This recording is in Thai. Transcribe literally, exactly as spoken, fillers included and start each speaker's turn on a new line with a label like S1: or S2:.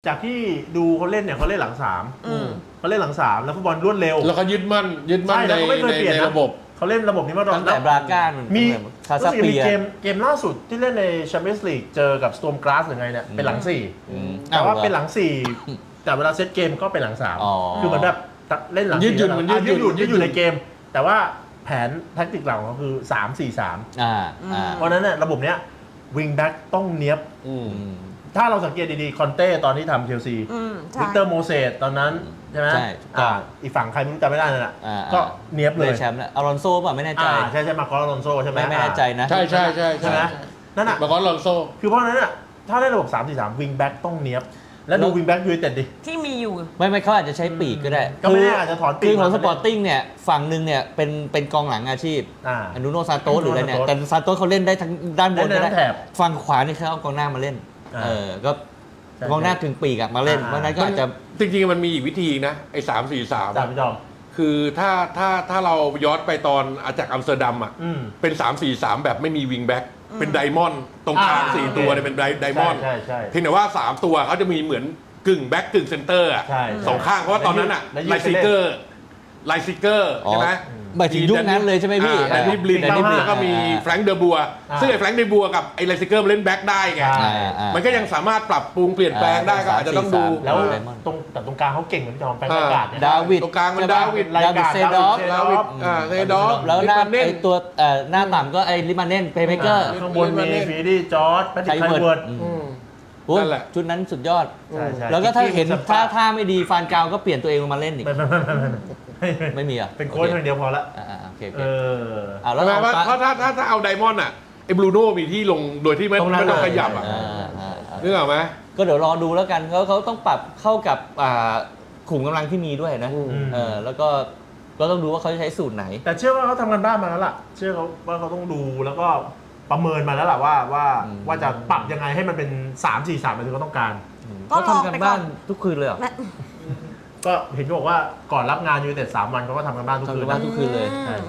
S1: จากที่ดูเขาเล่นเนี่ยเขาเล่นหลังสาม
S2: อืม
S1: เขาเล่นหลังสามแล้วฟุตบอลรวดเร็ว
S3: แล้วเขายึดมั่นยึดมั่น
S1: ใช่
S3: ใน
S1: แล้วเขาไม่เคย
S3: ใน
S1: เปลี่ยน
S3: ใน
S1: นะ
S3: ระบบ
S1: เขาเล่นระบบนี้มาตลอด
S2: ตั้งแต่บราก้ามัน
S1: มี
S2: คาซา
S1: รู้สึก
S2: เปี
S1: มี
S2: ย
S1: เกมเกมล่าสุดที่เล่นในแชมเปี้ยนส์ลีกเจอกับสโตร์มกราสหรือไงเนี่ยเป็นหลังสี่
S2: อืม
S1: แต่ว่า
S2: อ้
S1: เป็นหลังสี่แต่เวลาเซตเกมก็เป็นหลังสาม
S2: อ๋อ
S1: คือเหมือนแบบเล่นหลัง
S3: ยืดหยุ่น
S1: สี่
S3: มัน
S1: อ่ะ
S3: ยืดหยุ่น
S1: ยืดหยุ่น
S3: ยืดหยุ่น
S1: ในเกม แต่ว่าแผนแท็กติกหลังของเขาคือสามสี่สาม
S2: อ่าอ่า
S1: เพราะฉะนั้นเนี่ยระบบเนี้ยวิงแบ็กต้องเนี้ยบ
S3: อืม
S2: อืม
S1: ถ้าเราสังเกตดีๆ คอนเต้ตอนที่ทำเชลซี
S4: อืมใช่
S1: วิกเตอร์โมเสสตอนนั้นใช่ไหม
S2: ใช่ถูกต้อง
S1: อ่าอีกฝั่งใครไม่รู้จำไม่ได้นั่นแหละ
S2: อ่า
S1: ก็เนี้ยบเลย
S2: ได้แชมป์แล้วอารอนโซป่ะไม่แน่ใจ
S1: อ่าใช่ใช่มาคอร์ลอนโซใช่ไหม
S2: ไม่ไม่แน่ใจนะ
S3: ใช่ใช่ใช่
S1: ใช่ไหมนั่นน่ะ
S3: มาคอนลอนโซ
S1: คือเพราะฉะนั้นน่ะถ้าได้ระบบสามสี่สามวิงแบ็กต้องเนี้ยบแล้วดู
S2: แล้ว
S1: วิงแบ็กยูไนเต็ดดิ
S4: ที่มีอยู่
S2: ไม่ไม่เขาอาจจะใช้ปีกก็ได้
S1: ก็ไม่แน่อาจจะถอนปีก
S2: คือของ
S1: มา
S2: สปอร์ติ้งเนี่ยฝั่งหนึ่งเนี่ยเป็นเป็นกองหลังอาชีพ
S1: อ่า
S2: อนุโนซานโตสหรืออะไรเนี่ย
S1: ซานโตส
S2: แต่ซานโตสเขาเล่นได้ทั้งด้านบน
S1: เล่นได้
S2: ก็
S1: ทั้
S2: ได้
S1: งแถบ
S2: ฝั่งขวานี่เขาเอากองหน้ามาเล่น
S1: อ่า
S2: เออก็
S1: ใช่
S2: กองหน้าถึงปีกอะมาเล่น
S1: อ่า
S2: เพราะฉะนั้นก็อาจจะ
S3: จริงๆมันมีอีกวิธีนะไอ้สามสี่สาม
S1: สามพี่จอม
S3: คือถ้าถ้าถ้าเราย้อนไปตอนอาจากอัมสเตอร์ดัมอ่ะ
S1: อืม
S3: เป็นสามสี่สามแบบไม่มีวิงแบ็กเป็นไดมอนด์ตรงกลาง
S1: อ่า
S3: สี่
S1: โอเค
S3: ตัวเนี่ยเป็นไดไดมอนด์
S1: ใช่ใช่ใช่
S3: เพียงแต่ว่าสามตัวเขาจะมีเหมือนกึ่งแบ็กกึ่งเซนเตอร์อ่ะ
S1: ใช่
S3: สองข้างเพราะว่าตอนนั้นอ่ะ
S1: แล้วยืด
S3: ไล
S1: ไป
S3: ซิ
S1: เล่น
S3: เกอร์ไลซิเกอร์
S2: อ๋อ
S3: ใช่ไหม
S2: หมายถึงยุคนั้นเลยใช่ไหมพี่
S3: แดนนี่บลิน
S1: แดนนี่บลิน
S3: แล้วก็มีแฟรงค์เดอบัว
S1: อ่า
S3: ซึ่งไอ้แฟรงค์เดอบัวกับไอ้ไลซิเกอร์มันเล่นแบ็กได้ไง
S1: ใช่
S2: อ่าอ่า
S3: มันก็ยังสามารถปรับปรุงเปลี่ยนแปลงได้ก็อาจจะต้องดู
S2: สามสี่สาม
S1: แล้ว
S2: ไดมอนด์
S1: ตรงแต่ตรงกลางเขาเก่งเหมือนพี่จอมแฟน
S3: อ่า
S1: อากาศเนี่ย
S2: ดาวิด
S3: ตรงกลางมัน
S2: ใช่ปะ
S3: ดาวิด
S2: ดาวิดเซดอฟ
S3: ดาวิดอ่าเซดอฟ
S2: แล้วหน้า
S3: ลิปมันเน่น
S2: ไอตัวเอ่อหน้าต่ำก็ไอลิมาเน่นเพย์เมเกอร์
S1: ข้างบนมีฟีดี้จอร์ดแพทริกไคเวิร์ด
S2: อืม
S3: อืม
S2: โอ้ย
S3: นั่นแหละ
S2: ชุดนั้นสุดยอด
S1: ใช่ใช่
S2: แล้วก็ถ้าเห็น
S1: คิกกี้
S2: ท่า
S1: มุสตา
S2: ท่าไม่ดีฟานกาวก็เปลี่ยนตัวเองลงมาเล่นอีก
S1: ไม่ไม่ไม่ไม่ไม่ไม่
S2: ไม่มีอ่ะ
S1: เป็นโค้ชอย่างเดียวพอละ
S2: อ่าอ่าโอเคโอ
S1: เอ
S2: เค
S1: อ
S2: อ่า
S3: แล้
S2: แล้ว ว
S3: เพ
S2: เอา
S3: ราะถ้าถ้าถ้าเอาไดมอนด์อ่ะไอ้บรูโน่มีที่ลงโดยที่ไม่
S1: ตรงนั้น
S3: ไม่ต้อง
S1: เลย
S3: ขยับอ่ะ
S2: อ่าอ่าอ่า
S3: นึกออกไหม
S2: ก็เดี๋ยวรอดูแล้วกันเขาเขาต้องปรับเข้ากับอ่าขุมกำลังที่มีด้วยนะ
S3: อืม
S2: เออแล้วก็ก็ต้องดูว่าเขาจะใช้สูตรไหน
S1: แต่เชื่อว่าเขาทำกันบ้านมาแล้วล่ะ เชื่อเขาว่าเขาต้องดูแล้วก็ประเมินมาแล้วล่ะว่าว่า
S2: อืม
S1: ว่าจะปรับยังไงให้มันเป็นสามสี่สามแบบที่เขาต้องการ
S4: ก็
S2: เขา
S4: ลอง
S2: ทำกัน
S4: ไปก่อน
S2: บ้านทุกคืนเลยเหรอ
S4: แม่
S1: ก็เห็นบอกว่าก่อนรับงานยูไนเต็ดสามวันเขาก็ทำกันบ้านทุก
S2: ทำ
S1: คื
S2: กัน นบ้านทุกคืนเลย
S1: ใช่